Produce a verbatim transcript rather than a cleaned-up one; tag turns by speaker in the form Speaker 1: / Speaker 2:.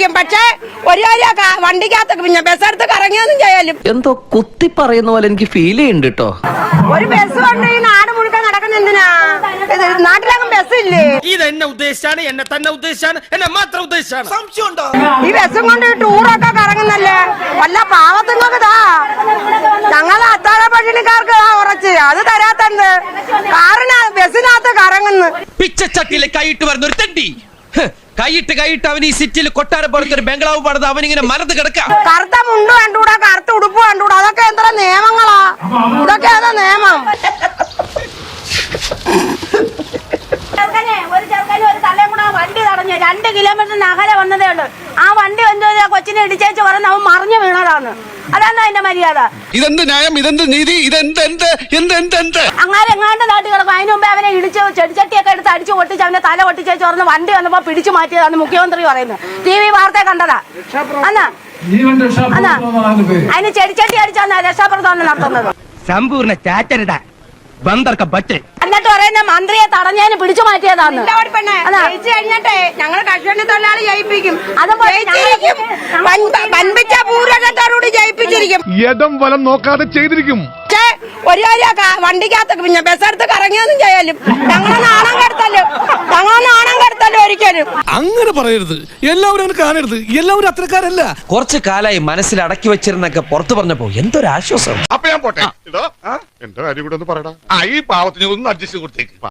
Speaker 1: പിടിച്ചിരിക്കും. പക്ഷേ ഒരു കാര്യം വണ്ടിക്കകത്ത് പിന്നെ ബസ്സെടുത്ത് കറങ്ങിയൊന്നും ചെയ്യാലും
Speaker 2: എന്തോ കുത്തി പറയുന്ന പോലെ എനിക്ക് ഫീൽ ചെയ്യുന്നുണ്ട് കേട്ടോ.
Speaker 1: ഒരു ബസ് കൊണ്ട് ഈ നാട് മുഴുക്കാൻ നടക്കുന്ന എന്തിനാ? നാട്ടിലങ്ങും ബസ് ഇല്ലേ?
Speaker 3: ഇത് എന്നെ ഉദ്ദേശിച്ചാണ്, എന്നെ തന്നെ ഉദ്ദേശിച്ചാണ്, എന്നെ മാത്രം ഉദ്ദേശിച്ചാണ്.
Speaker 1: ഈ ബസ്സും കൊണ്ട് ടൂറൊക്കെ കറങ്ങുന്നല്ലേ? വല്ല പാവത്തുങ്ങൾക്കിതാ ഞങ്ങളെ അത്താഴ പട്ടിണിക്കാർക്ക് ഉറച്ച് അത് തരാത്തണ്ട് കാറിന് ബസ്സിനകത്ത് കറങ്ങുന്നു.
Speaker 4: പിച്ചച്ചട്ടിയിലെ കൈയിട്ട് വരുന്ന ഒരു തെണ്ടി കൈയിട്ട് കൈയിട്ട് അവൻ ഈ സിറ്റിയിൽ കൊട്ടാരം പോലത്തെ ഒരു ബംഗ്ലാവ് പണിത് അവനിങ്ങനെ മരത്ത് കിടക്കാം.
Speaker 1: കറുത്ത മുണ്ട് കണ്ടുകൂടാ, കറുത്ത ഉടുപ്പ് കണ്ടുകൂടാ, അതൊക്കെ എത്ര നിയമങ്ങളാ? ഇതൊക്കെ ഏതാ നിയമം? ഒരു ചെറുക്കനും ഒരു തലയും കൂടെ വണ്ടി തടഞ്ഞു രണ്ട് കിലോമീറ്ററിന് അകലെ വന്നതേ ഉള്ളൂ. ആ വണ്ടി എന്തോ കൊച്ചിനെ ഇടിച്ചേച്ച് പറഞ്ഞ അവൻ മറിഞ്ഞു വീണതാണ്. അതാണ് അതിന്റെ മര്യാദ.
Speaker 5: ഇതെന്ത് ന്യായം, ഇതെന്ത് നീതി, ഇതെന്ത് എന്ത് എന്ത് എന്ത് എന്ത്
Speaker 1: അങ്ങനെ എങ്ങാണ്ട് നാട്ടിൽ കിടക്കും. അതിന് മുമ്പേ അവനെ ഇടിച്ച് ചെടിച്ചട്ടിയൊക്കെ എടുത്ത് അടിച്ചു പൊട്ടിച്ച് അവന്റെ തല പൊട്ടിച്ചേച്ച് പറഞ്ഞ് വണ്ടി വന്നപ്പോ പിടിച്ചു മാറ്റിയതാണ് മുഖ്യമന്ത്രി പറയുന്നത്. ടി വി വാർത്ത കണ്ടതാ. അന്നാ അന്നാ അതിന് ചെടിച്ചട്ടി അടിച്ചാണ് രക്ഷാപ്രവർത്തനം നടത്തുന്നത്.
Speaker 4: സമ്പൂർണ്ണ ചാറ്റരുത ബന്ദർക്ക ബച്ച്
Speaker 1: എന്നിട്ട് പറയുന്ന മന്ത്രിയെ തടഞ്ഞതിന് പിടിച്ചു മാറ്റിയതാന്ന്. കഴിഞ്ഞിട്ടേ ഞങ്ങൾ കർഷക തൊഴിലാളി ജയിപ്പിക്കും. അത് വൻപിച്ച ഭൂരിപക്ഷത്തോടുകൂടി ജയിപ്പിച്ചിരിക്കും.
Speaker 5: യഥം വലം നോക്കാതെ ചെയ്തിരിക്കും.
Speaker 1: പക്ഷേ ഒരു കാര്യം വണ്ടിക്കകത്ത് പിന്നെ ബസ്സെടുത്ത് കറങ്ങിയൊന്നും ചെയ്യാലും ഞങ്ങളെ നാണം കെടുത്തല്ലോ ഞങ്ങളെ നാണം കെടുത്തല്ലോ ഒരിക്കലും.
Speaker 5: അങ്ങനെ പറയരുത്, എല്ലാവരും അങ്ങനെ കാണരുത്, എല്ലാവരും അത്രക്കാരല്ല.
Speaker 4: കുറച്ചു കാലായി മനസ്സിൽ അടക്കി വെച്ചിരുന്നൊക്കെ പുറത്തു പറഞ്ഞപ്പോ എന്തൊരു ആശ്വാസം.
Speaker 5: അപ്പൊ ഞാൻ പോട്ടെ. എന്റെ കാര്യം കൂടെ ഒന്ന് പറയടാ. ഈ പാവത്തിന് ഒന്ന് അഡ്ജസ്റ്റ് കൊടുത്തേക്ക്.